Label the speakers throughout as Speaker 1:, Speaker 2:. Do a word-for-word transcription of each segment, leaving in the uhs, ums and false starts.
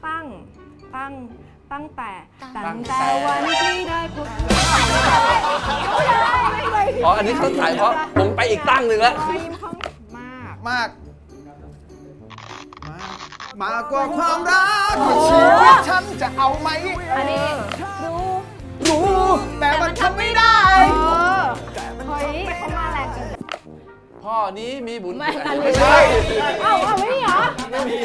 Speaker 1: ตั้งตั้งตั้งแต่ตั้งแต่วันที่ได้พบ
Speaker 2: อ๋ออันนี้เขาถ่ายเพราะผมไปอีกตั้งหนึ่งแล้ว
Speaker 1: มาก
Speaker 3: มากมากมากกว่าความรักชีวิตฉันจะเอาไหม
Speaker 1: อันนี้รู้
Speaker 3: รู้แต่มันทำไม่ได้
Speaker 1: เฮ้ยเขามาแรงจัง
Speaker 2: พ่อนี้มีบุญ
Speaker 1: ไม่อัน
Speaker 3: ไม่
Speaker 1: นี้
Speaker 3: ใช่
Speaker 1: อ้าวไม่มีเหรอไม่มี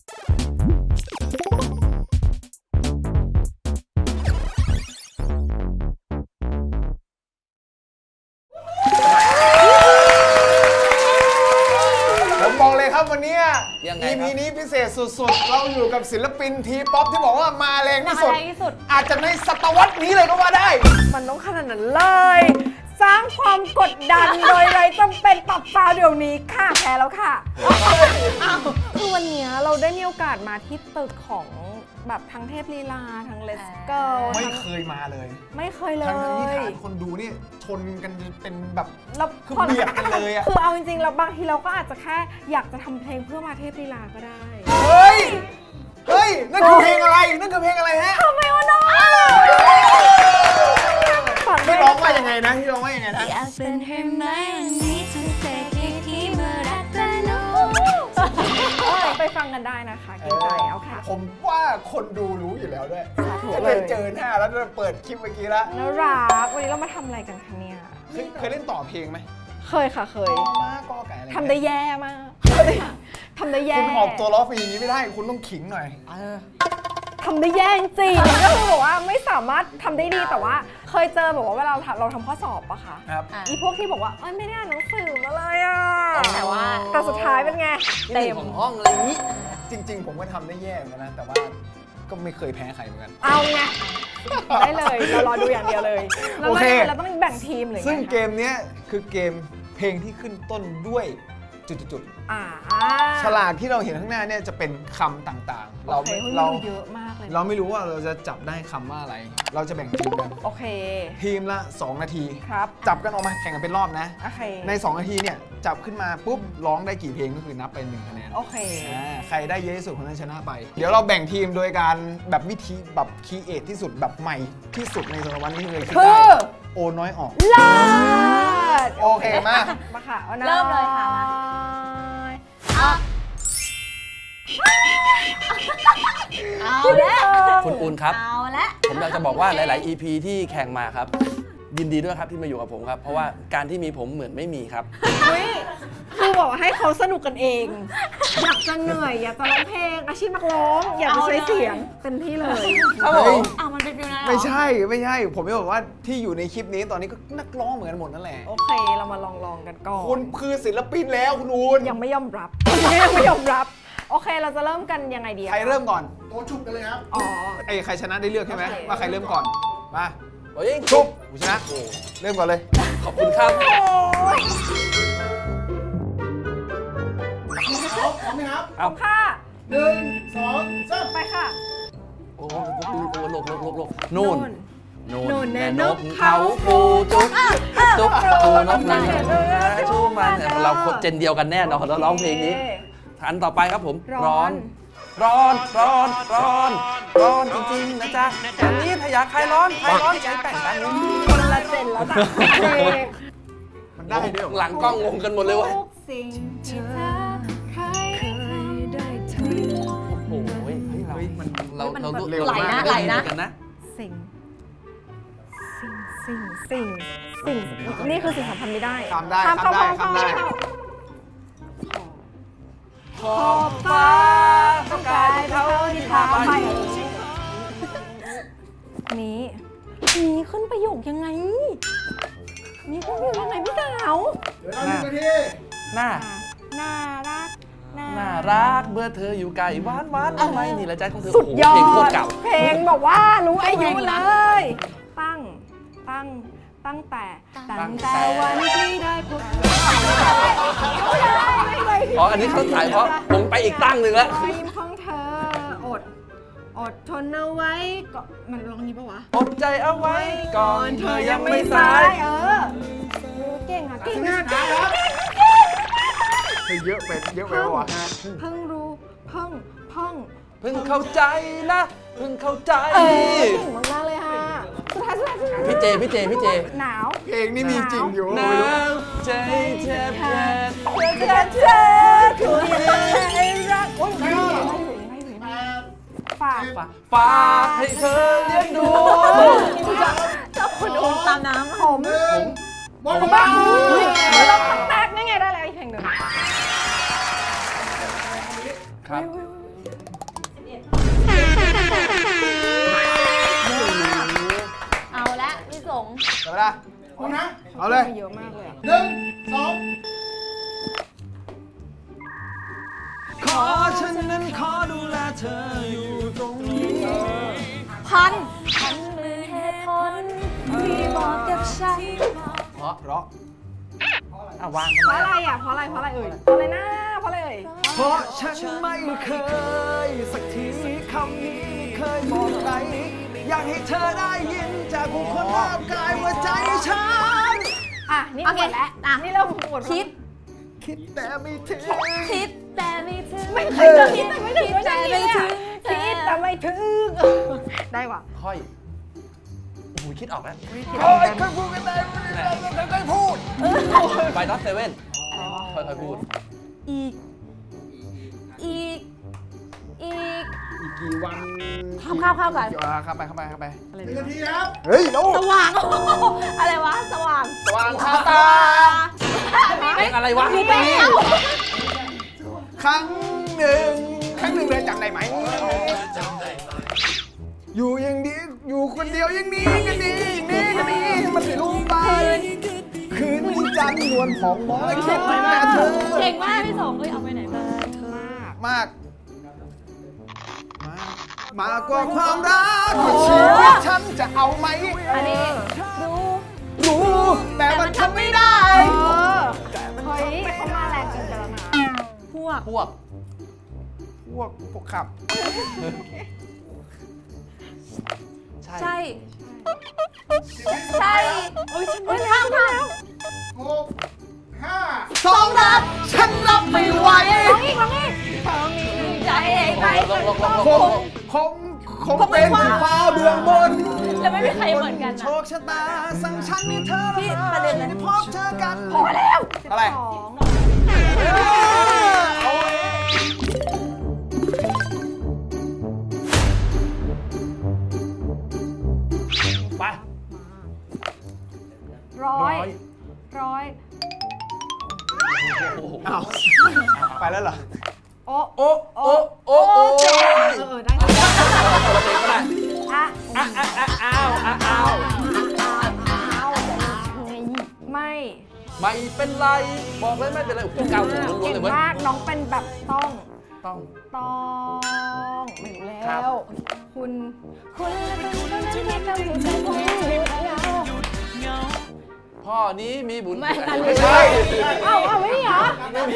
Speaker 3: ผมบอกเลยครับวันนี้
Speaker 2: ยังไง
Speaker 3: อี
Speaker 2: ค
Speaker 3: พี
Speaker 2: รับ
Speaker 3: นี้พิเศษสุดๆเราอยู่กับศิลปินทีป๊อปที่บอกว่ามาแรงที่สุด
Speaker 1: มาแรงที่สุด
Speaker 3: อาจจะในศตวรรษนี้เลยก็ว่าได้
Speaker 1: มันต้องขนาดนั้นเลย สร้างความกดดันโดยไรจำเป็นปรับฟาวเดี๋ยวนี้ค่ะแพ้แล้วค่ะคือวันนี้เราได้มีโอกาสมาที่ตึกของแบบทั้งเทพลีลาทั้งเลสเกิล
Speaker 3: ไม่เคยมาเลย
Speaker 1: ไม่เคยเลย
Speaker 3: ทั้งที่ฐานคนดูนี่ชนกันเป็นแบบ
Speaker 1: เรา
Speaker 3: คือเบียดกันเลยอะ
Speaker 1: คือเอาจริงๆแล้วบางทีเราก็อาจจะแค่อยากจะทำเพลงเพื่อมาเทพลีลาก็ได้
Speaker 3: เฮ้ย เฮ้ย นั่นคือเพลงอะไร นั่นคือเพลงอะไรฮะ
Speaker 1: ทำไมวะน้อง
Speaker 3: ที่ร้องว่ายังไงนะที่ร้องว่ายังไงนะ
Speaker 4: อยากเป็นให้ไหมวันนี้จะเสกให้ที่เมื่อรักแต่น้อง
Speaker 1: ไปฟังกันได้นะคะเกรงใจเอาค่ะ
Speaker 3: ผมว่าคนดูรู้อยู่แล้วด้วย
Speaker 1: สาธุ
Speaker 3: จะ
Speaker 1: เล
Speaker 3: เป็
Speaker 1: ย
Speaker 3: นเจอหน้าแล้วจะเปิดคลิปเมื่อกี้แล้ว
Speaker 1: น่ารักวันนี้เรามาทำอะไรกันคะเนี่ย
Speaker 3: เคยเคยเล่นต่อเพลงไหม
Speaker 1: เคยค่ะเคย
Speaker 3: มากก็ไก่อะไร
Speaker 1: ทำได้แย่มากทำได้แย่
Speaker 3: คุณออกตัวล้อฟรีอย่างนี้ไม่ได้ คุณต้องขิงหน่อย
Speaker 1: ทำได้แย่จริงๆก็คือแบบว่าไม่สามารถทำได้ดีแต่ว่าเคยเจอแบบว่าเวลาเราเราทำข้อสอบปะคะ
Speaker 3: ครับ
Speaker 1: อีพวกที่บอกว่าเอ้ยไม่ได้อ่านหนังสือมาเลยอ่ะ
Speaker 4: แต่ว่า
Speaker 1: แต่สุดท้ายเป็นไง
Speaker 2: เต็มของห้องอะไรอย่างนี้
Speaker 3: จริง ๆ ผมก็ทำได้แย่เหมือนกันนะ แต่ว่าก็ไม่เคยแพ้ใครเหมือนกัน
Speaker 1: เอาไงได้เลยเรารอดูอย่างเดียวเลยแล้ว
Speaker 3: โอเค
Speaker 1: เราต้องแบ่งทีมเลย
Speaker 3: ซึ่งเกมเนี้ยคือเกมเพลงที่ขึ้นต้นด้วยจุดๆ
Speaker 1: อ่า
Speaker 3: ๆฉลากที่เราเห็นข้างหน้าเนี่ยจะเป็นคำต่างๆ เรา
Speaker 1: โอเค
Speaker 3: ไม่
Speaker 1: เรา
Speaker 3: เรา
Speaker 1: เยอะมากเลย
Speaker 3: เราไม่รู้ว่าเราจะจับได้คำว่าอะไร เราจะแบ่งทีมกัน
Speaker 1: โอเค
Speaker 3: ทีมละสองนาที
Speaker 1: ครับ
Speaker 3: จับกันออกมาแข่งกันเป็นรอบนะ
Speaker 1: โอเค
Speaker 3: ในสองนาทีเนี่ยจับขึ้นมาปุ๊บร้องได้กี่เพลงก็คือนับไปหนึ่งคะแนน
Speaker 1: โอเค
Speaker 3: อ่าใครได้เยอะที่สุดคนนั้นชนะไป เดี๋ยวเราแบ่งทีมโดยการแบบวิธีแบบคีเอทที่สุดแบบใหม่ที่สุดในสารวัตรที่เคยคิด
Speaker 1: คื
Speaker 3: ได้
Speaker 1: อ
Speaker 3: โอน้อยออก
Speaker 1: เลิศ
Speaker 3: โอเคมา
Speaker 1: มาค่ะอานะ
Speaker 4: เริ่มเลยค่ะมา เอาละ
Speaker 2: คุณปูนครับ
Speaker 4: เอาละ
Speaker 2: ผมอยากจะบอกว่าหลาย ๆ อี พี ที่แข่งมาครับ ยินดีด้วยครับที่มาอยู่กับผมครับ เพราะว่าการที่มีผมเหมือนไม่มีครับ
Speaker 1: อุ๊ยคือบอกว่าให้เขาสนุกกันเอง อยากจะเหนื่อย อยากจะร้องเพลง อาชีพนักร้อง อยากจะใช้เสียงเต็มที่เลย
Speaker 2: ครับผ
Speaker 3: เฮ้ย
Speaker 2: ม
Speaker 4: เอามันเป็นฟิวนั้นเหรอ
Speaker 3: ไม่ใช่ไม่ใช่ ผมจะบอกว่าที่อยู่ในคลิปนี้ตอนนี้ก็นักร้องเหมือนกันหมดนั่นแหละ
Speaker 1: โอเค เรามาลองลองกันก่อน
Speaker 3: คุณคือศิลปินแล้วคุณอูน
Speaker 1: ยังไม่ยอมรับยังไม่ยอมรับ โอเค เราจะเริ่มกันยังไงดีอะ
Speaker 3: ใครเริ่มก่อนโตชุบกันเลยครับ
Speaker 1: อ๋อ
Speaker 3: ไอ้ใครชนะได้เลือกใช่ไหม
Speaker 1: โอเค
Speaker 3: ว่าใครเริ่มก่อนมา
Speaker 2: โอ้ย
Speaker 3: ชุบกูชนะเริ่มก่อนเลย
Speaker 2: ขอบคุณครับ
Speaker 3: พร้อมไหมครับ
Speaker 1: ขอบค่ะ
Speaker 3: หนึ่งสองสาม
Speaker 1: ไปค่ะ
Speaker 2: โอ้โหโอ้โหโลกโลกโลกโลกนู่น
Speaker 1: นู่น
Speaker 2: นู่น
Speaker 1: แน่
Speaker 2: แน่
Speaker 1: น
Speaker 2: น
Speaker 1: ก
Speaker 2: ก
Speaker 1: เขา
Speaker 2: เขาปูจุ๊บจุ๊บปูนกนั่น
Speaker 1: เออ
Speaker 2: ชูมันเราคนเจนเดียวกันแน่นอนเราร้องเพลงนี้อันต่อไปครับผม
Speaker 1: ร้อน
Speaker 2: ร้อน ร้อน ร้อน ร้อนจริงๆนะจ๊ะอย่างนี้ถ้าอยากใครร้อนใครร้อนใจแต่งกัน
Speaker 1: คนละเจนแล้วจ้ะเพลง
Speaker 3: มันได้ด้วยเหรอ
Speaker 2: หลังกล้องงงกันหมดเลยเว้ย
Speaker 1: ทุกสิ่งที่เธอเคยได้ท
Speaker 2: โอ้โหเฮ้ยเรา
Speaker 3: เฮ้ยมัน
Speaker 2: เราเรา
Speaker 3: เร็ว
Speaker 4: ไหล
Speaker 3: มาก
Speaker 4: นะไหลนะ
Speaker 2: กันนะ
Speaker 1: ำสิ่ง สิ่ง สิ่ง สิ่ง สิ่ง นี่คือสิ่งสำคัญไม่ได้
Speaker 3: ข้ามได้
Speaker 1: ข้าม
Speaker 3: ข้ามได้
Speaker 1: ข้าม
Speaker 3: ข้ามได้
Speaker 1: ข้าม
Speaker 2: ขอบฟ้าต้องการเขาที่พาไป
Speaker 1: นี้นี้ขึ้นประโยคยังไงนี้ขึ้นประโยคยังไงพี่สาว
Speaker 3: เดี๋ยวเราหนึ่งนาที
Speaker 2: น่า
Speaker 1: น่ารัก
Speaker 2: น่ารักเมื่อเธออยู่ไกลหวานหวานทำไมนี่ละใจของเธอ
Speaker 1: สุดยอ
Speaker 2: โโหเพลงโคต
Speaker 1: ด
Speaker 2: รเก่า
Speaker 1: เพลงแบบว่ารู้อายุเลย ตั้ง ตั้ง ตั้งแต่ ตั้งแต่วันที่ได้พบ
Speaker 2: อ๋ออันนี้เขาถ่ายเพราะผมไปอีกตั้งหนึ่งแล้ว
Speaker 1: รอยยิ้มของเธอ อด อดทนเอาไว้ก็มันร้องนี้ปะวะ
Speaker 2: อดใจเอาไว้ก่อนเธอยังไม่สาย
Speaker 1: เออเก่งอ่ะเก่งอ่ะ
Speaker 3: เฮ้ยเยอะไปเยอะไปวะ
Speaker 1: เพิ่งรู้เพิ่งเพิ่ง
Speaker 2: เพิ่งเข้าใจนะเพิ่งเข้าใจ
Speaker 1: เออเก่งมากๆเลยค่ะสุดท้ายสุดท้ายสุดท้าย
Speaker 2: พี่เจพี่เจพี่เจ
Speaker 1: หนาว
Speaker 3: เพลงนี่มีจริงอยู่
Speaker 2: หนาวใจแทบแทบ
Speaker 1: เธอเธอคือใจรักโอ้ยไม่อยู่ไม่อยู่ไม่อยู่ไม่อยู่ฝาก
Speaker 2: ฝากให้เธอเลี้ยงดู
Speaker 1: เจ้าคุณอุ้มตามน้ำผม
Speaker 3: หมด
Speaker 1: ผม
Speaker 3: บ้า
Speaker 1: บ้างอุ้ยเราทำแตกได้ไงได้แล้วอีกเพลงหนึ่ง
Speaker 2: ครับ
Speaker 4: เอาละพี่สง
Speaker 3: เดี๋ยวนะเอานะ เอาเลย
Speaker 1: เยอะมากเลยอะ
Speaker 3: หนึ่งสอง
Speaker 2: ขอฉันนั้นขอดูแลเธออยู่ตรงนี้
Speaker 1: พัน
Speaker 4: พันมือเหตุผลที่บอกกับฉัน
Speaker 2: เพราะ
Speaker 3: เพราะ
Speaker 2: อ่ะวาง
Speaker 1: เพราะอะไรอ่ะเพราะอะไรเพราะอะไรเอ่ยเพราะอะไรนะเพราะอะไรเอ่ย
Speaker 3: เพราะฉันไม่เคย สักทีคำนี้เคยบอกใคร อยากให้เธอได้ยินจากผู้คนรอบกายว่าใจฉัน
Speaker 1: อ่ะนี่
Speaker 4: โอ
Speaker 1: ห
Speaker 4: เค
Speaker 1: มดแล้ว
Speaker 4: อ่ะ
Speaker 1: นี่เริ่มหมด
Speaker 4: คิด
Speaker 3: คิดแต่ไม่ถึง
Speaker 4: คิดแต่ไม่ถึง
Speaker 1: ไม่เคยจะคิดแต่ไม่ถึง
Speaker 4: คิดแต่ไม่ถึง
Speaker 1: คิดแต่ไม่ถึงได้ว่ะ
Speaker 2: ค่อยโอ้โหคิดออกแล้ว
Speaker 3: โอ้ยเคยพูดกันได้เคยพูด
Speaker 2: ไปน็อตเซเว่นค่อยๆพูด
Speaker 4: อีก อีก อีก
Speaker 3: อีกกี่วัน
Speaker 4: ข้ามข้ามข้ามก่อน
Speaker 3: อ่าเข้าไปเข้าไปเข้าไป
Speaker 1: อะไร
Speaker 3: หนึ่ง
Speaker 1: ดี
Speaker 3: นาทีครับ เฮ้ยโน้
Speaker 4: สว่าง อะไรวะ สว่าง
Speaker 3: สว่างคาตา
Speaker 2: เพลงอะไรวะ
Speaker 4: มีไปแล้ว
Speaker 3: ครั้งหนึ่ง ครั้งหนึ่งเลยจำได้ไหม อยู่อย่างนี้ อยู่คนเดียวอย่างนี้กันดีอย่างนี้กันดีมันไม่รู้ไป คืนนี้จันทร์นวลผ่องมองและคิดถึงแต่เธอ
Speaker 4: เก่งมากพี่สงเฮ้ยเอาไปไหนมา
Speaker 1: มาก
Speaker 3: มาก มากกว่าความรักที่ชีวิตฉันจะเอาไหม
Speaker 1: อันนี้
Speaker 4: รู้
Speaker 3: รู้ แต่มันทำไม่ได้
Speaker 1: เออเฮ้ยเขามาแรงเกินไปแล้วนะ
Speaker 4: พวก
Speaker 2: พวก
Speaker 3: พวกพวกขับ
Speaker 2: ใช่
Speaker 4: ใช่ ใช่โอ้ยฉันไม่ข้ามข้าม
Speaker 3: สองรักฉันรับไม่ไหว
Speaker 1: ร้องอีกร้องอีก
Speaker 4: ใจไป
Speaker 2: ลงลงลงล
Speaker 3: ค
Speaker 2: ง
Speaker 3: งคงคงเป็นที่ฟ้าเบื้องบน
Speaker 4: แล้วไม่มีใครเหมือนกัน
Speaker 3: โช
Speaker 4: นะ
Speaker 3: คชะตาสั่งฉันให้เธอ
Speaker 4: ที่ประเด็นเลย
Speaker 3: ได้พบเจอกัน
Speaker 1: พอแล้ว
Speaker 3: อะไร
Speaker 1: สอง
Speaker 3: เอาไว้
Speaker 2: ไป
Speaker 1: ร้อยร้อย
Speaker 2: โอ้โห
Speaker 3: เอาไปแล้วเหรอ
Speaker 1: โอ้
Speaker 2: โอ้โอ้โอ้โอ้
Speaker 1: เจ็บเออได้แล้ว
Speaker 2: เราเพลงก็ได้
Speaker 1: อ่ะ
Speaker 2: อ่ะอ่ะอ่ะอ้าวอ่ะอ้าว
Speaker 1: เอาไม่
Speaker 2: ไม่เป็นไร บอกเลยไม่เป็นไรโอ้โหเก้าสูงล้วนๆ
Speaker 1: เก่
Speaker 2: เล
Speaker 1: ง
Speaker 2: ยเว้ย
Speaker 1: มากน้องเป็นแบบต้อง
Speaker 2: ต้อง
Speaker 1: ต้องไม่รู้
Speaker 2: ค
Speaker 1: แล้
Speaker 2: รับ
Speaker 1: ว คุณ คุณและคุณคนนั้นที่ทำให้ใจผมหยุดเหงา
Speaker 2: พ่อนี้มีบุญ
Speaker 4: ไม่อันนี้
Speaker 2: ไม่ใช่
Speaker 1: เอ้าเอ้าไม่มีเหรอ
Speaker 2: ไม่มี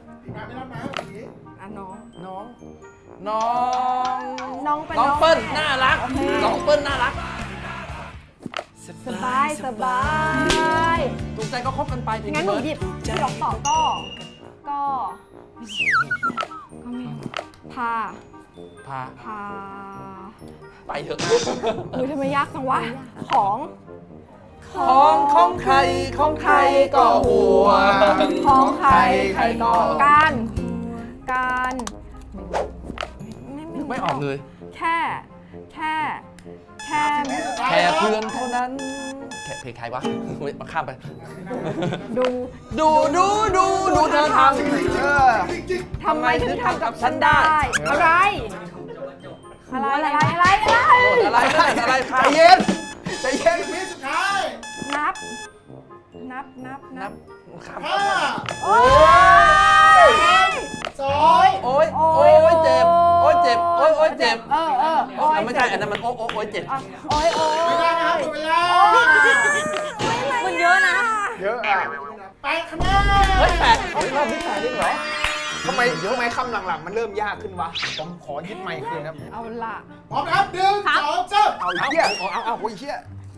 Speaker 1: อ่ะน้อง
Speaker 2: น้อง น้อง
Speaker 1: น้องเป็น
Speaker 2: น้องเปิ้ลน่ารัก
Speaker 1: โอเค
Speaker 2: น้องเปิ้ลน่ารัก
Speaker 1: สบายสบาย
Speaker 2: ถูกใจก็คบกันไปเพลง
Speaker 1: งั้นหนู
Speaker 2: เบิร์ด
Speaker 1: หยิบที่ร้องต่อก็ ก็ ก็ไม่รู้พา
Speaker 2: พา
Speaker 1: พา
Speaker 2: ไปเถอะ
Speaker 1: อุ้ยทำไมยากจังวะ ของ
Speaker 2: ของของใครของใครก็ห่วง
Speaker 1: ของใครใครก็
Speaker 2: ก็
Speaker 1: การ การไม่
Speaker 2: นึกไม่ออกเลย
Speaker 1: แค่ แค่ แค่
Speaker 2: แค่เพื่อนเท่านั้น แค่เพลงใครวะมาข้ามไป
Speaker 1: ดู
Speaker 2: ดูดูดูดูเธอท
Speaker 3: เออ
Speaker 1: ทำไมถึงทำกับฉันได้ อะไร อะไร อะไร อะไร อะไร
Speaker 2: ำโหดอะไรนั่นอะไรใคร
Speaker 3: ใจเย็น ใจเย็นวิสุดท้าย
Speaker 1: นับ นับ นับ นั
Speaker 2: นั
Speaker 1: บบ
Speaker 2: ข้าม
Speaker 1: โอ้ย
Speaker 3: สอง
Speaker 2: โอ้ยโอ้ยเจ็บ โอ้ยเจ็บ โอ้ยโอ้ยเจ็บ
Speaker 1: เออเออ
Speaker 2: โอ้ยไม่ใช่ อันนั้นมันโอ้โอ้โอ้ยเจ็บ
Speaker 1: อ่ะโอ้ยโอ้ย
Speaker 3: ไม่ได้นะครับหมดเวลา
Speaker 4: มันเยอะนะ
Speaker 3: เยอะอ่ะแปดคะแนน
Speaker 2: เฮ้ยแปดเฮ้ยรอบนี้แปดได้เหรอ
Speaker 3: ทำไมทำไมคำหลังๆ มันเริ่มยากขึ้นวะ ผมขอยึดไมค์คืนครับ
Speaker 1: เอาล่ะ
Speaker 3: พร้อมนะครับหนึ่ง
Speaker 4: ครับ
Speaker 3: สองสามเอาเหี้ยเอาเอาเอาโอ้ยเหี้ย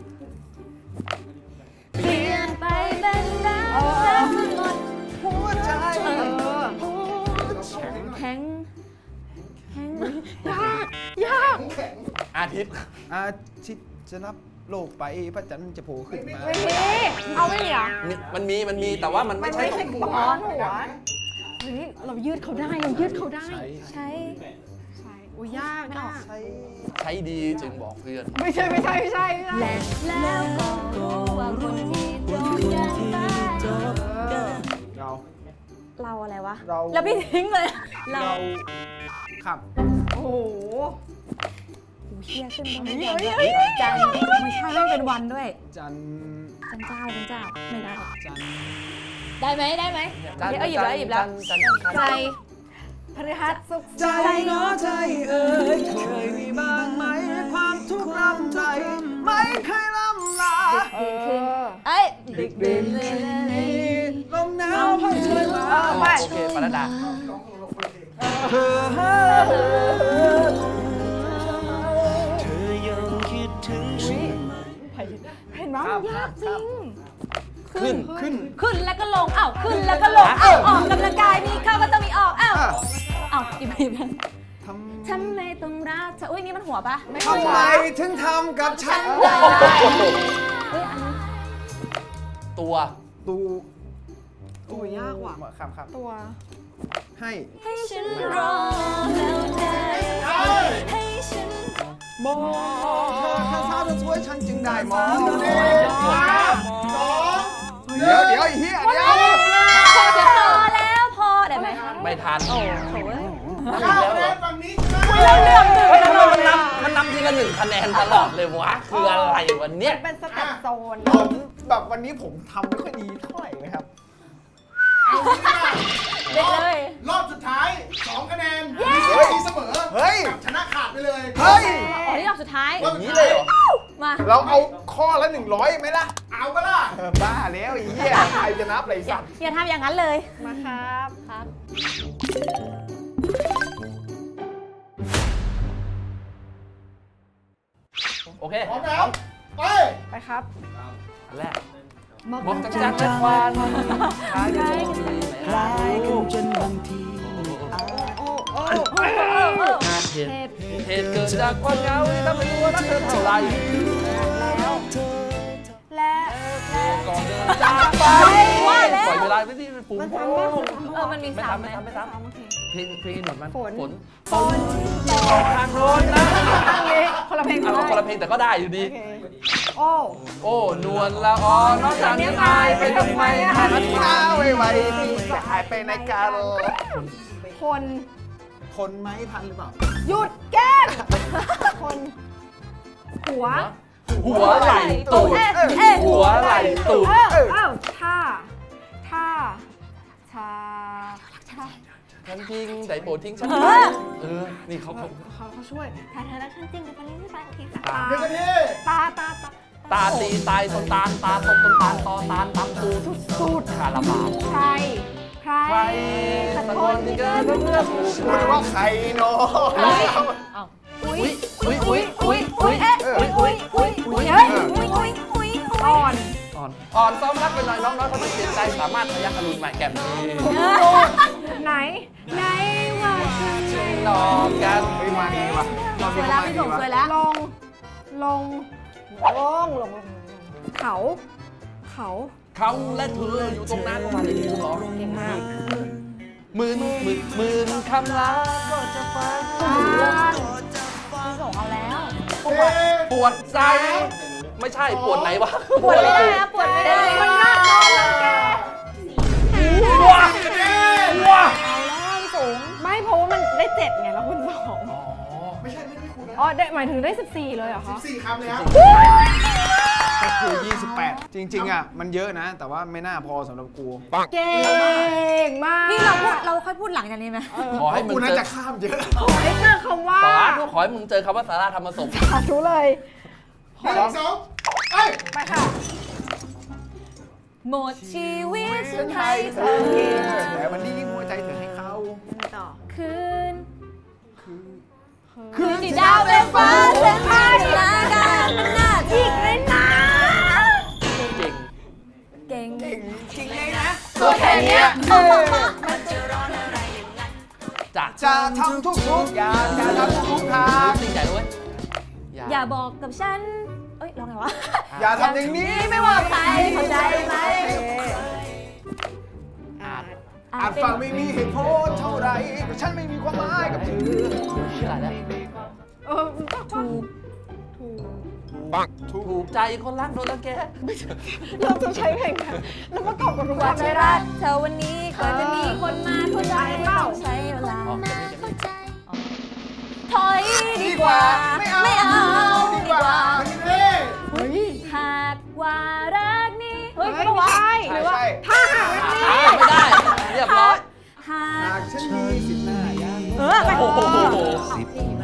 Speaker 4: เปลี่ยนไปเป็นรักรักมันหมด
Speaker 3: หัวใจ
Speaker 1: เออ
Speaker 4: แข็งแข็ง
Speaker 1: ยากยาก
Speaker 2: อาทิตย์
Speaker 3: อาทิตย์จะรับโลกไปพระจันทร์จะโผล่ขึ้นมา
Speaker 1: ไม่มีเอาไม่มีเหรอ
Speaker 2: มีมันมีมันมีแต่ว่ามัน
Speaker 1: มั
Speaker 2: ไม่
Speaker 1: น
Speaker 2: ใช่
Speaker 1: ไม่
Speaker 2: ตร
Speaker 1: ใช่
Speaker 2: ง
Speaker 1: ก
Speaker 2: หั
Speaker 1: ระ
Speaker 2: ว
Speaker 1: ป้อนหัวเฮ้ยเรายืดเขาได้เรายืดเขาได้
Speaker 4: ใช้
Speaker 1: ใช่อุ้ยยากยาก
Speaker 2: ใช้ดีจึงบอกเพื่อน
Speaker 1: ไม่ใช่ไม่ใช่ไม่ใช่ไม่ใช่
Speaker 4: และแล้วก็รู้ว่าคนที่จบกันไป
Speaker 1: เออ
Speaker 3: เรา
Speaker 4: เราอะไรวะ
Speaker 3: เรา
Speaker 4: แล้วพี่ทิ้งเลย เรา
Speaker 3: เราขับ
Speaker 1: โอ้โห
Speaker 4: หูเชี่ยขึ้นตรง
Speaker 1: เฮ้
Speaker 4: นี้
Speaker 1: ย
Speaker 4: ก่อน
Speaker 1: เฮ้ย
Speaker 4: ด้วย
Speaker 1: เฮ้ย
Speaker 4: จันไม่ใช่ไม่เป็นวันด้วย
Speaker 3: จันทร์
Speaker 4: จันเจ้าจันเจ้าไม่ได้
Speaker 3: จันทร์
Speaker 4: ได้ไหมได้ไหม
Speaker 2: จัน
Speaker 4: เดี๋ยวเอาหยิบแล้วหยิบแล้ว
Speaker 2: จันจันจัน
Speaker 4: ใจ
Speaker 1: พฤหัสสุข
Speaker 3: ใจเนาะใจเอ่ยเคยมีบ้างไหมความทุกข์รำใจไม่เคยล่ำลา
Speaker 1: เออ
Speaker 4: เอ้ยดึกดื่นเลย
Speaker 3: ลมหนาวพัดช่วยมา
Speaker 1: เออไป
Speaker 2: โอเคปรดา
Speaker 3: เธอเธอยังคิดถึงฉันไหม
Speaker 1: เห็นไหมมันยากจริง
Speaker 2: ขึ้น
Speaker 3: ขึ้น
Speaker 4: ขึ้นแล้วก็ลงอ้าวขึ้นแล้วก็ลงอ้าวออกกำลังกายมีเข้าก็ต้องมีออกอ้าว
Speaker 3: อ่ะ
Speaker 4: อ้าวอีกอีก
Speaker 3: ทำ
Speaker 4: ทำไมต้องรักเธออุ้ยนี่มันหัวปะ
Speaker 1: ไม่
Speaker 3: ทำไมถึงทำกับฉัน
Speaker 4: ได้
Speaker 3: ได้
Speaker 4: เฮ้ยอันนี้
Speaker 2: ตัว
Speaker 3: ตู
Speaker 1: โอ้ยยากว่ะ
Speaker 3: ครับครับ
Speaker 1: ตัว
Speaker 3: ให้
Speaker 4: ให้ฉันรอแล้วได้ให้ฉัน
Speaker 3: มองเธอถ้าสาวจะสวยฉันจึงได้มอง เดี๋ยวเดี๋ยวไอ้เหี้ยเดี๋ยว
Speaker 4: พอแล้วพอได้ไหม
Speaker 2: ไม่ทัน
Speaker 4: โอ้โห
Speaker 2: นับอีกแล้วเหรอ
Speaker 4: เราเลือกหนึ่ง
Speaker 2: เฮ้ย
Speaker 4: ต
Speaker 2: ทำ
Speaker 4: ล
Speaker 2: ไม
Speaker 4: อด
Speaker 2: มันนับมันนับทีละหนึ่งคะแนนตลอดเลยวะ คืออะไรวันเนี้ย
Speaker 1: เป็นสเต็ปโซน
Speaker 3: ผมแบบวันนี้ผมทำไม่ค่อยดีเท่าไหร่นะครับ
Speaker 4: เด็กเลย
Speaker 5: รอบสุดท้ายสองคะแนน
Speaker 3: เฮ้ย
Speaker 5: มีเสมอ
Speaker 3: เฮ้ย
Speaker 5: กับชนะขาดไปเลย
Speaker 3: เฮ้ย
Speaker 4: อ๋อนี่รอบสุดท้าย
Speaker 5: รอบ
Speaker 2: อ
Speaker 5: สุ
Speaker 2: ย่าง
Speaker 5: ด
Speaker 2: นี้
Speaker 5: ท้า
Speaker 2: เลย ยเหรอ
Speaker 4: มา
Speaker 3: เราเอาข้อละหนึ่งร้อยไหมล่ะ
Speaker 5: เอาก็ล่ะ
Speaker 3: เออบ้าแล้วไอ้เหี้ยใครจะนับอะไร
Speaker 4: อย่า
Speaker 3: สัตว์
Speaker 4: อย่าทำอย่างนั้นเลย
Speaker 1: มาครับ
Speaker 4: ครับ
Speaker 2: โอเค
Speaker 5: พร้อมแล้วไป
Speaker 1: ไปครับ
Speaker 2: อันแรกมองจังจังและควันคล้ายกันดีไหมรู้
Speaker 3: จนบางที
Speaker 1: โอ้โอ้
Speaker 2: เหตุเหตุเกิดจากความเหงาที่ทำให้รู้ว่ารักเธอเท่าไหร่
Speaker 1: แล้วและ
Speaker 2: ก่อนเดินจากไป
Speaker 4: ว่าแล้ว
Speaker 2: ปล่อยเวลาไม่ที่เป็นฝูง
Speaker 1: มัน
Speaker 2: โอ้
Speaker 1: ซ้ำป่ะ
Speaker 4: เออมันมี
Speaker 2: ไม่
Speaker 4: สาม
Speaker 2: ทำ
Speaker 4: ไหม
Speaker 2: ไม่ทำไม่ทำ
Speaker 1: โอเค
Speaker 2: เพลงเพลงหนวดมัน
Speaker 1: ฝน
Speaker 2: ฝนฝนออกทางโน้นนะ
Speaker 1: ข้างนี้คนละเพลง
Speaker 2: เอาคนละเพลงแต่ก็ได้อยู่ดี
Speaker 1: โอเคโอ้
Speaker 2: โอ้นวลละออน้องจากนี้อายไปทำไมหัน
Speaker 3: มา
Speaker 2: มา
Speaker 3: ไวไวจะหายไปในการ
Speaker 1: คน
Speaker 3: ทนไหมทันหรือเปล่า
Speaker 1: หยุดแก้มคน หัว
Speaker 2: หัวไหล่ตูด
Speaker 4: เอ๊ะเอ๊ะ
Speaker 2: หัวไหล่ตูด
Speaker 1: เออเอ้าท่าท่าชาท่า
Speaker 2: ฉันจริงแต่โปรดทิ้งฉัน
Speaker 4: เออ
Speaker 2: เออ นี่เขาเขา
Speaker 1: เขาเขาช่วย
Speaker 4: ถ้าเธอรักฉันจริงจะไปเล่นที่ไปโอเคค่ะ
Speaker 1: ตา
Speaker 5: หนึ่งนาที
Speaker 1: ตาตาตา
Speaker 2: ตาตีตายต้นตาลตาตกต้นตาลตอตาลตำตูด
Speaker 1: สุด
Speaker 2: คาราบาว
Speaker 1: ใคร ใคร
Speaker 2: ใครสักคนที่เกิดเพื่อผู้
Speaker 3: พูดว่าใครเนาะ
Speaker 2: อุ้ยอุ้ยอุ้ยอุ้ยอุ้ย
Speaker 4: เอ๊ะอุ้ยอุ้ยอุ้ยอุ้ยเฮ้ยอุ้ยอุ้ยอุ้ย
Speaker 1: อ่อน
Speaker 2: อ่อนอ่อนซ้อมรักไปหน่อยน้องน้อยเขาไม่เสียใจสามารถพยักอรุณใหม่แก้มนี้
Speaker 1: ไหน ไหนว่าฉันไม่
Speaker 2: หลอกกัน
Speaker 3: เฮ้ยมาดีว่ะ
Speaker 4: สวยแล้วพี่ส่งสวยแล้ว
Speaker 1: ลง ลง ลง ลง เขา เขา
Speaker 2: เขาและเธออยู่ตรงนั้นประมาณนี้หรอ
Speaker 1: เก่งมาก
Speaker 2: หมื่นหมื่นหมื่นคำลาก็จะฟัง
Speaker 4: พี่ส่งเอาแล้ว
Speaker 2: ปวดปวดใจ ไม่ใช่ปวดไหนวะ
Speaker 4: ปวดไม่ได้นะปวดไม่ได้
Speaker 1: มันน่าโดนรังแก
Speaker 2: ว้าว้า
Speaker 4: เอาแล้วพี่สูง
Speaker 1: ไม่เพราะว่ามันได้เจ็ดไงแล้วคุณสอง
Speaker 5: ไม่ใช่ไม่ไม่คุณนะ
Speaker 1: อ๋อได้หมายถึงได้สิบสี่เลยเหรอคะ
Speaker 5: สี่คำเลยครับ
Speaker 3: ก็คือยี่สิบแปดจริงๆอ่ะมันเยอะนะ แต่ว่าไม่น่าพอสำหรับกู
Speaker 1: เก่งมาก
Speaker 4: พี่เราพูดเราค่อยพูดหลังจากนี้ไหม
Speaker 2: ขอให้มึ
Speaker 3: กู
Speaker 2: ง
Speaker 3: น่า
Speaker 2: เจอ
Speaker 3: จะข้ามเยอะ
Speaker 1: ไม่เจอคำว่า
Speaker 2: สาระขอให้มึงเจอคำว่าสาระธรรมสม
Speaker 1: สาธุเลย
Speaker 5: หนึ่งสองเอ้ย
Speaker 1: ไปค่ะ
Speaker 4: หมดชีวิตฉัน
Speaker 3: ให้
Speaker 4: ให้
Speaker 3: เธ
Speaker 4: เธ
Speaker 3: อ
Speaker 4: อ
Speaker 3: แต่วันนี้หัวใจเธอให้เขา
Speaker 1: ต่อ
Speaker 4: คืน
Speaker 3: คือ
Speaker 4: คืนที่ดาวและฟ้าเส้นทางลาการมันน่าทิกเลยนะ
Speaker 2: เก่ง
Speaker 4: เก่ง
Speaker 3: จริงเลยนะ
Speaker 2: ตัวแค่เนี้ย
Speaker 4: เอามามา
Speaker 2: จาก
Speaker 3: จะทำทุกๆอย่างจะทำทุกทาง
Speaker 2: จริงใจด้วย
Speaker 4: อย่าบอกกับฉันเอ้ยร้องไงวะ
Speaker 3: อย่าทำอย่างนี้
Speaker 4: ไม่ว่าใครเข้าใจไหม
Speaker 1: อ่า
Speaker 3: อาจฟังไม่มีเหตุผลเท่าไหรแต่ฉันไม่มีความหมายกับเธอ
Speaker 2: ตายแล้ว
Speaker 1: เออถูกถูก
Speaker 2: ถูกใจคนรักโดนรังแก
Speaker 1: เราจะใช้เพลงกันแล้วประกอบกับทุก
Speaker 4: ก
Speaker 1: วั
Speaker 4: ว่าน จะ
Speaker 1: ไม่
Speaker 4: รั
Speaker 1: ได้
Speaker 4: กเธอวันนี้กว่าจะมีคนมาเข้าใจต้องใช้เวลา
Speaker 2: อ๋อจะมีจะมี
Speaker 4: ถอยดีกว่า ไม่เอาดีกว่า
Speaker 5: เฮ้ย
Speaker 1: เฮ้ย
Speaker 4: หากว่ารักนี้เฮ้ย
Speaker 1: ไม่
Speaker 4: ไม่ว่า
Speaker 1: ใช่ห
Speaker 3: ใช่
Speaker 1: รือว่า
Speaker 3: ใช่
Speaker 1: ถ้าหากรักนี้
Speaker 2: อ่าไม่ได้ เรียบร้อย
Speaker 4: หา
Speaker 3: หาก กฉันมีสิบหน้ายัง
Speaker 1: เออไป
Speaker 2: โอ้โห
Speaker 3: สิบ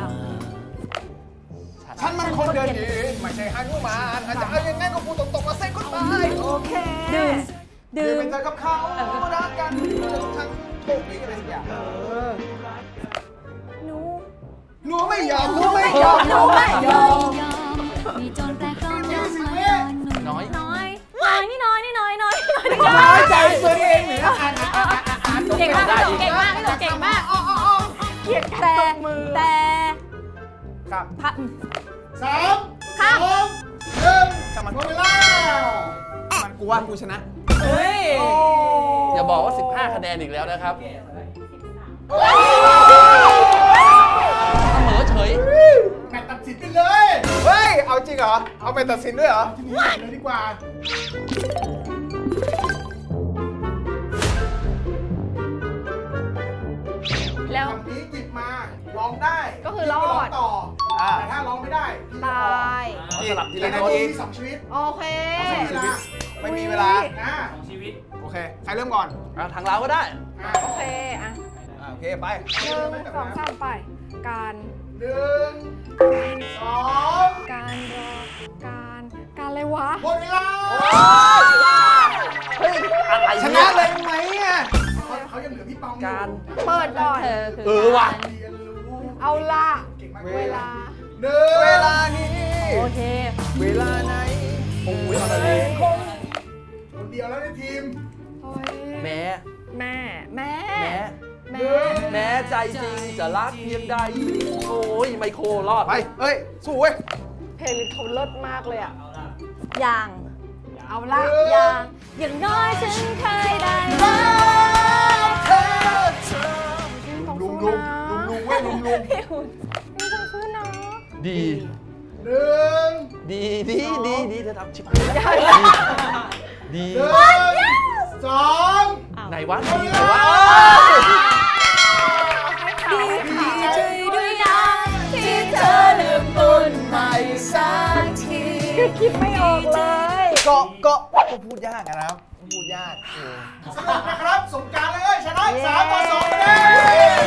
Speaker 3: ฉันมันคนเดินดินไม่ใช่ฮานุมานอาจจะเอายังไงก็พูดตรงๆว่าเซ็งคนตาย
Speaker 1: โอเค
Speaker 4: ดื่ม
Speaker 3: ดื่
Speaker 4: ดื่
Speaker 3: ม
Speaker 4: ม
Speaker 3: เป็นเธอกับเขารักกันทั้งโชคดีอะไรสักอย่าง
Speaker 4: หนู
Speaker 3: หนูไม่ยอมหนูไม่ยอม
Speaker 4: หนูไม่ยอม
Speaker 6: มีโจรแปลกปลอมมาคอยนอนหนู
Speaker 2: น้อย
Speaker 4: น้อยน้อยนี่น้อยนี่น้อยน้อยน้อย
Speaker 3: น้อยใจตัวเองหรือ
Speaker 4: เก่งมากพี่หนูเก่งมากพี่หนูเก่งมาก
Speaker 1: เกลียดการ
Speaker 4: แต่
Speaker 1: ตบมือ
Speaker 4: แต่
Speaker 3: ครับ
Speaker 4: พระ
Speaker 5: สามสองหนึ่ง
Speaker 3: ช่างมัน
Speaker 5: หมดเวลา
Speaker 3: มันกูว่ากูชนะ
Speaker 1: เฮ้ย
Speaker 2: อย่าบอกว่า สิบห้า คะแนนอีกแล้วนะครับเสมอเฉย
Speaker 5: แมตช์ตัดสินไปเลย
Speaker 3: เฮ้ย เอาจริงเหรอ เอาไปตัดสินด้วยเหรอ
Speaker 5: ทีนี้เลยดีกว่า
Speaker 4: แล้ว
Speaker 5: คำนี้หยิบมาร้องได้
Speaker 1: ก็คือรอด
Speaker 5: ร้องต่อ
Speaker 3: อ่า
Speaker 5: แต่ถ้าร้องไม่ได้พี่
Speaker 1: ต
Speaker 5: จะออก
Speaker 1: าย
Speaker 2: สลับที
Speaker 5: แต่
Speaker 2: ละ
Speaker 5: ใน
Speaker 2: คน
Speaker 5: นี้มีสองชีวิต
Speaker 1: โอเค
Speaker 5: สองเวลา
Speaker 3: ไม่มีเวลา
Speaker 5: อ่า
Speaker 3: โอเค ใครเริ่มก่อน
Speaker 2: อ่ะทางเราก็ได้
Speaker 5: อ่า
Speaker 1: โอเค อ่ะ
Speaker 3: อ่าโอเค ไป
Speaker 1: หนึ่งสองสามไป การ
Speaker 5: หนึ่งสอง
Speaker 1: การรอ การ การอะไรวะ
Speaker 5: หมดเวลา
Speaker 2: เฮ้ย อะไร
Speaker 3: ช
Speaker 2: เนี่
Speaker 3: นะ
Speaker 2: ย
Speaker 3: เลยไหมอ่ะ
Speaker 5: เขาเขายังเหลือพี่ปองอยู่
Speaker 2: การ
Speaker 1: เปิดก่อน
Speaker 4: เธอคือ
Speaker 2: เออว่ะ
Speaker 5: เรียนรู้
Speaker 1: เอาล่ะ
Speaker 5: เก่งมาก
Speaker 1: เวลา
Speaker 5: หนึ่ง
Speaker 3: เวลานี้
Speaker 4: โอเค
Speaker 3: เวลาไหน
Speaker 2: โอ้ยอะไรเลย
Speaker 5: คนเดียวแล้วในทีม
Speaker 1: โอ้ย
Speaker 2: แม้
Speaker 1: แม่ แม่
Speaker 2: แม้
Speaker 1: แม่
Speaker 2: แม้ใจจริงจะรักเพียงใด โอ้ยไมโครรอด
Speaker 3: ไป เฮ้ย สู้เว้ย
Speaker 1: เพลงเขาเลิศมากเลยอ่ะ
Speaker 4: อย่าง
Speaker 1: เอาล่ะ
Speaker 4: อย่าง อย่างน้อยฉันเคยได้รักเธอ
Speaker 3: ลุงลุงลุงลุงเว้ยลุงลุง
Speaker 1: พี่ต้องสู้นะ
Speaker 2: ดี
Speaker 5: หนึ่ง
Speaker 2: ดีดีดีดีเธอทำชิบหายแล้วดี
Speaker 5: หนึ่งสอง
Speaker 2: ไหนวะดีไหนวะ
Speaker 4: ดีใจด้วยนะที่เธอลืมตุนใหม่สักที
Speaker 1: คิดไม่ออกเลย
Speaker 3: ก็ก็ก็พูดยากอะนะครับ พูดยากเออ
Speaker 5: สนุกนะครับสงกรารเลยชนะสามต่อสองคะแนน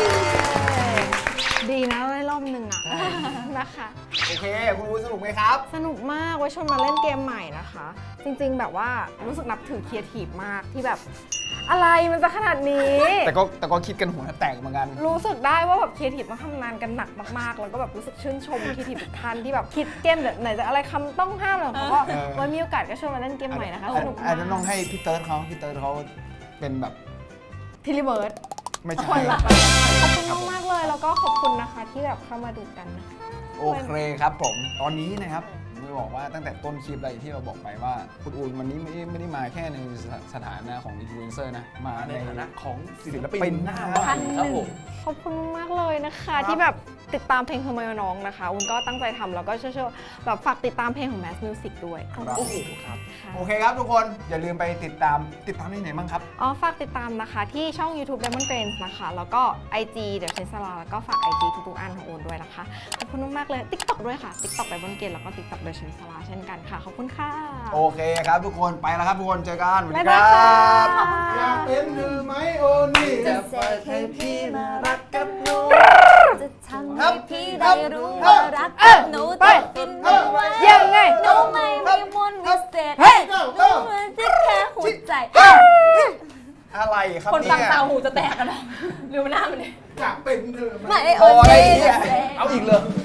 Speaker 1: ดีนะได้รอบหนึ่งอ่ะ นะคะ
Speaker 3: โอเค คุณรู้สนุกไหมครับ
Speaker 1: สนุกมากไว้ชวนมาเล่นเกมใหม่นะคะ จริงๆแบบว่ารู้สึกนับถือครีเอทีฟมากที่แบบ อะไรมันจะขนาดนี้
Speaker 3: แต่ก็แต่ก็คิดกันหัวแตกเหมือนกัน
Speaker 1: รู้สึกได้ว่าแบบครีเอทีฟต้องทำงานกันหนักมากๆ แล้วก็แบบรู้สึกชื่นชมครีเอทีฟทุกท่านที่แบบคิดเกมแบบไหนจะอะไรคำต้องห้ามอะไรของเขาก็
Speaker 3: เออ
Speaker 1: ไว้มีโอกาสก็ชวนมาเล่นเกมใหม่นะคะสนุก
Speaker 3: อาจจะ
Speaker 1: มา
Speaker 3: ต้อง
Speaker 1: ก
Speaker 3: ให้พี่เติร์ดเขาพี่เติร์ดเขาเป็นแบบ
Speaker 1: ทิลิเบิร์ด
Speaker 3: ไม่
Speaker 1: ค
Speaker 3: ใช่
Speaker 1: นละขอบคุณมากๆเลยแล้วก็ขอบคุณนะคะที่แบบเข้ามาดูกันนะคะ
Speaker 3: โอเคครับผม ตอนนี้นะครับผมจะบอกว่าตั้งแต่ต้นคลิปอะไรที่เราบอกไปว่าคุณอูนวันนี้ไม่ได้ไม่ได้มาแค่ในสถานะของอินฟลูเอนเซอร์นะ มา
Speaker 2: ใน
Speaker 3: ใน
Speaker 2: ฐานะของศิ
Speaker 3: ศิ
Speaker 2: ล
Speaker 3: ล
Speaker 2: ปิ
Speaker 3: ปิ
Speaker 2: น
Speaker 3: น
Speaker 2: ห
Speaker 3: ห
Speaker 2: น้า
Speaker 3: น้า
Speaker 2: ใหม่ครับผม
Speaker 1: ขอบคุณมากเลยนะคะที่แบบติดตามเพลงเธอมาน้องนะคะอุ้นก็ตั้งใจทำแล้วก็เชื่อๆแบบฝากติดตามเพลงของ Mass Music ด้วยขอบ
Speaker 3: ครับ
Speaker 2: โอ้
Speaker 1: คุณ
Speaker 2: โหครับ
Speaker 1: ค่ะ
Speaker 3: โอเคครับทุกคนอย่าลืมไปติดตามติดตามที่ไหนบ้างครับ
Speaker 1: อ๋อฝากติดตามนะคะที่ช่อง YouTube Diamond Brains นะคะ แล้วก็ ไอ จี เดี๋ยวเชนซาลาแล้วก็ฝาก ไอ จี ทุกๆอันของโอนด้วยนะคะ ขอบคุณมากๆเลย TikTok ด้วยค่ะ TikTok Diamond Brains แล้วก็ TikTok เดี๋ยวเชนซาลาเช่นกันค่ะ ขอบคุณค่ะ
Speaker 3: โอเคครับทุกคนไปแล้วครับทุกคนเจอกันสวัส
Speaker 1: บ๊า
Speaker 3: ดี
Speaker 1: ย
Speaker 3: ค
Speaker 1: บาย
Speaker 3: รับ
Speaker 1: ค่ะ
Speaker 5: อยากเป็นหรือไม่โอนี่
Speaker 4: จะเสกให้พี่มารักกับหนู จะทำ
Speaker 3: ครั
Speaker 4: ให้
Speaker 3: บ
Speaker 4: พี่ได้รู้ว่ารักกับหนูจะฟินเอาไว้
Speaker 1: ยังไง
Speaker 4: หนูไม่มีมนต์วิเศษ
Speaker 1: เฮ้ย
Speaker 4: หนูเหมือนที่แค่หัวใจ
Speaker 3: อะไรครับ
Speaker 4: คนฟัง
Speaker 3: เนี่ย
Speaker 4: ตาหูจะแตกกันหรอหรือมันหน้ามันเนี่ย
Speaker 5: อยากเป็นหรือ
Speaker 4: ไม่
Speaker 5: ไม่
Speaker 4: โอ
Speaker 3: พอ
Speaker 4: เค
Speaker 3: แล้วไอ้เหี้ย
Speaker 4: จะเสก
Speaker 2: เอาอีกเลย